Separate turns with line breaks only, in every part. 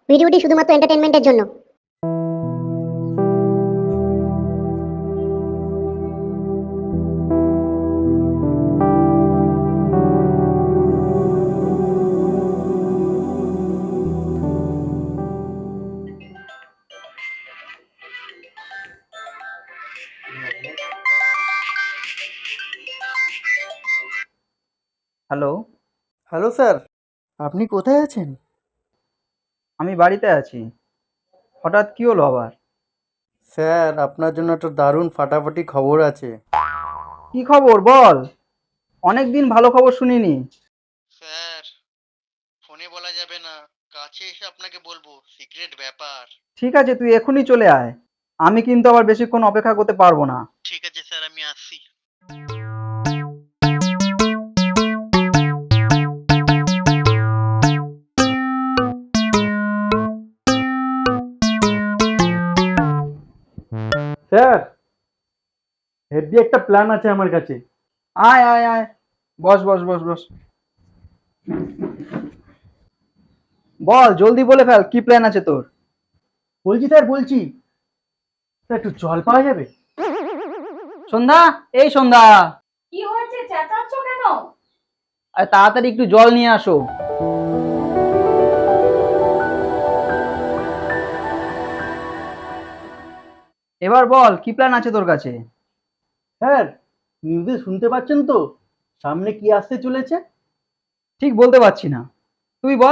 ভিডিওটি শুধুমাত্র এন্টারটেইনমেন্টের জন্য।
হ্যালো,
হ্যালো স্যার, আপনি কোথায় আছেন?
আমি বাড়িতে আছি। হঠাৎ কি হলো আবার?
স্যার, আপনার জন্য একটা দারুণ ফাটাফাটি খবর আছে।
কি খবর বল? অনেকদিন ভালো খবর শুনিনি।
স্যার, ফোনে বলা যাবে না, কাছে এসে আপনাকে বলবো, সিক্রেট ব্যাপার।
ঠিক আছে, তুই এখনই চলে আয়। আমি কিন্তু আবার বেশিক্ষণ অপেক্ষা করতে পারবো না।
ঠিক আছে স্যার, আমি আসছি। স্যার, হেভি একটা প্ল্যান আছে আমার কাছে।
আয় আয় আয়, বস বস বস বস। বল, জলদি বলে ফেল, কি প্ল্যান আছে তোর?
বলছি স্যার, বলছি স্যার, একটু জল পাওয়া যাবে?
সন্ধ্যা, এই সন্ধ্যা,
কি হয়েছে, চেঁচাচ্ছ কেন?
আরে তাড়াতাড়ি একটু জল নিয়ে আসো। এবার বল, কি প্ল্যান আছে তোর কাছে?
স্যার, নিউজে শুনতে পাচ্ছেন তো সামনে কি আসতে চলেছে?
ঠিক বলতে পারছি না, তুই বল।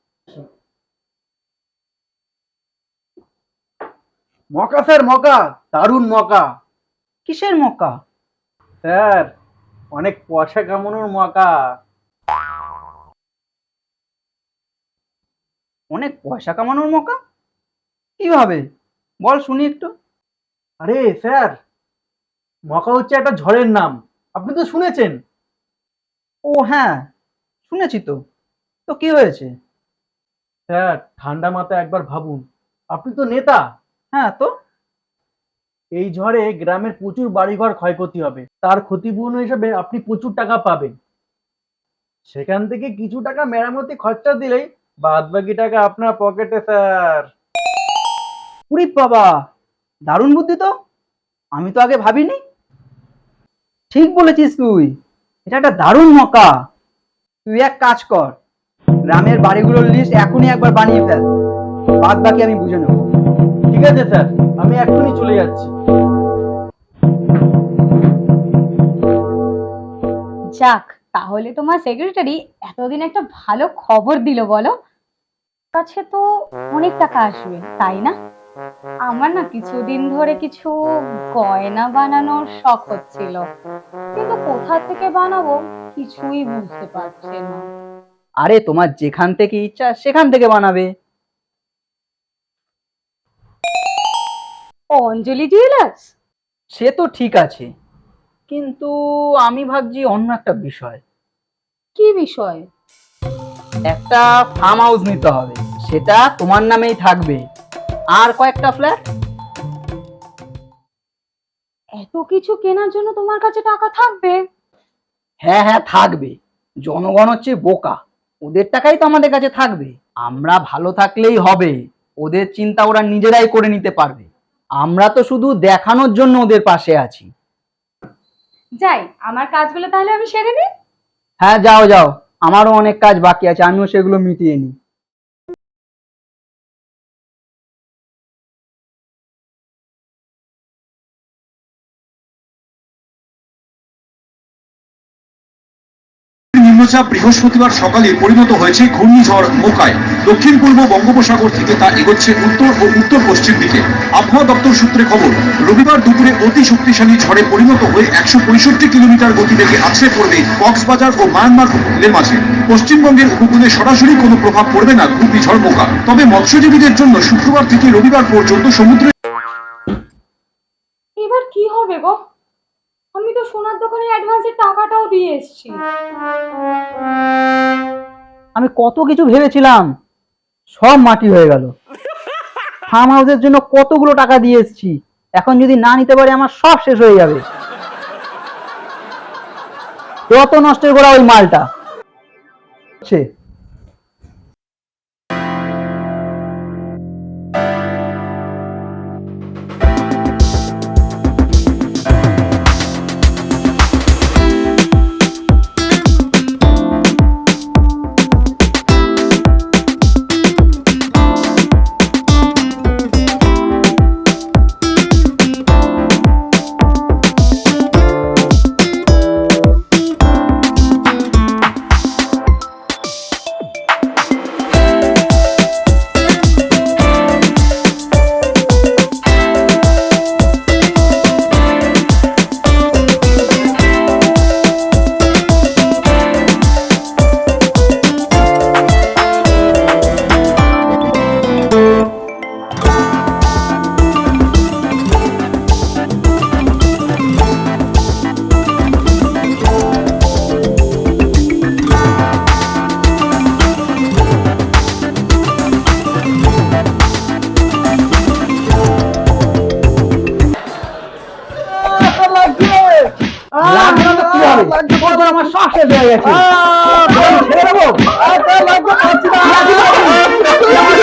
মকা স্যার, মকা, দারুণ মকা।
কিসের মক্কা?
স্যার, অনেক পয়সা কামানোর মকা।
অনেক পয়সা কামানোর মক্কা? কিভাবে? বল শুনি একটু।
আরে স্যার, মকা হচ্ছে একটা ঝড়ের নাম, আপনি তো শুনেছেন।
ও হ্যাঁ, শুনেছি তো। তো কি হয়েছে?
স্যার, ঠান্ডা মাথায় একবার ভাবুন, আপনি তো নেতা।
হ্যাঁ তো?
এই ঝড়ে গ্রামের প্রচুর বাড়িঘর ক্ষয়ক্ষতি হবে, তার ক্ষতিপূরণ হিসেবে আপনি প্রচুর টাকা পাবেন। সেখান থেকে কিছু টাকা মেরামতি খরচা দিলেই বাদ বাকি টাকা আপনার পকেটে স্যার।
উরি বাবা, দারুণ বুদ্ধি তো। আমি তো আগে ভাবিনি। ঠিক বলেছিস তুই, এটা একটা দারুণ মক্কা। তুই এক কাজ কর, গ্রামের বাড়িগুলোর লিস্ট এখনই একবার বানিয়ে ফেল, বাদ বাকি আমি বুঝে নেব।
ঠিক আছে স্যার, আমি এক্ষুনি চলে যাচ্ছি।
যাক, তাহলে তোমার সেক্রেটারি এতদিন একটা ভালো খবর দিল বলো। কাছে তো অনেক টাকা আসবে, তাই না? আমার না কিছুদিন ধরে কিছু গয়না বানানোর শখ হচ্ছিল, কিন্তু কোথা থেকে বানাবো কিছুই বুঝতে পারছি না।
আরে তোমার যেখান থেকে ইচ্ছা সেখান থেকে বানাবে।
অঞ্জলি জুয়েলার্স?
সে তো ঠিক আছে, কিন্তু আমি ভাবছি অন্য একটা বিষয়।
কি বিষয়?
একটা ফার্ম হাউস নিতে হবে, সেটা তোমার নামেই থাকবে, আর কয়েকটা ফ্ল্যাট।
এত কিছু কেনার জন্য তোমার কাছে টাকা থাকবে?
হ্যাঁ হ্যাঁ থাকবে। জনগণ হচ্ছে বোকা, ওদের টাকাই তো আমাদের কাছে থাকবে। আমরা ভালো থাকলেই হবে, ওদের চিন্তা ওরা নিজেরাই করে নিতে পারবে। আমরা তো শুধু দেখানোর জন্য ওদের পাশে আছি।
যাই, আমার কাজগুলো তাহলে আমি সেরে নিই।
হ্যাঁ যাও যাও, আমারও অনেক কাজ বাকি আছে, আমিও সেগুলো মিটিয়ে নিই।
নিম্নচাপ বৃহস্পতিবার সকালে পরিণত হয়েছে ঘূর্ণিঝড় মোকায়। দক্ষিণ পূর্ব বঙ্গোপসাগর থেকে তা এগোচ্ছে উত্তর ও উত্তর পশ্চিম দিকে। আবহাওয়া দপ্তর সূত্রে খবর, রবিবার দুপুরে অতি শক্তিশালী ঝড়ে পরিণত হয়ে 165 কিলোমিটার গতিবেগে আছড়ে পড়বে কক্সবাজার ও মায়ানমার উপকূলের মাঝে। পশ্চিমবঙ্গের উপকূলে সরাসরি কোনো প্রভাব পড়বে না ঘূর্ণিঝড় মোকা, তবে মৎস্যজীবীদের জন্য শুক্রবার থেকে রবিবার পর্যন্ত সমুদ্রে।
এবার কি হবে গো? আমি তো সোনার দোকানে অ্যাডভান্সের টাকাটাও দিয়ে এসেছি।
আমি কত কিছু ভেবেছিলাম, সব মাটি হয়ে গেল। ফার্ম হাউসের জন্য কতগুলো টাকা দিয়ে এসেছি, এখন যদি না নিতে পারি আমার সব শেষ হয়ে যাবে। কত নষ্টের করা ওই মালটা। তোর আমার শ্বাস শেষ হয়ে গেছে ছেড়ে দেবো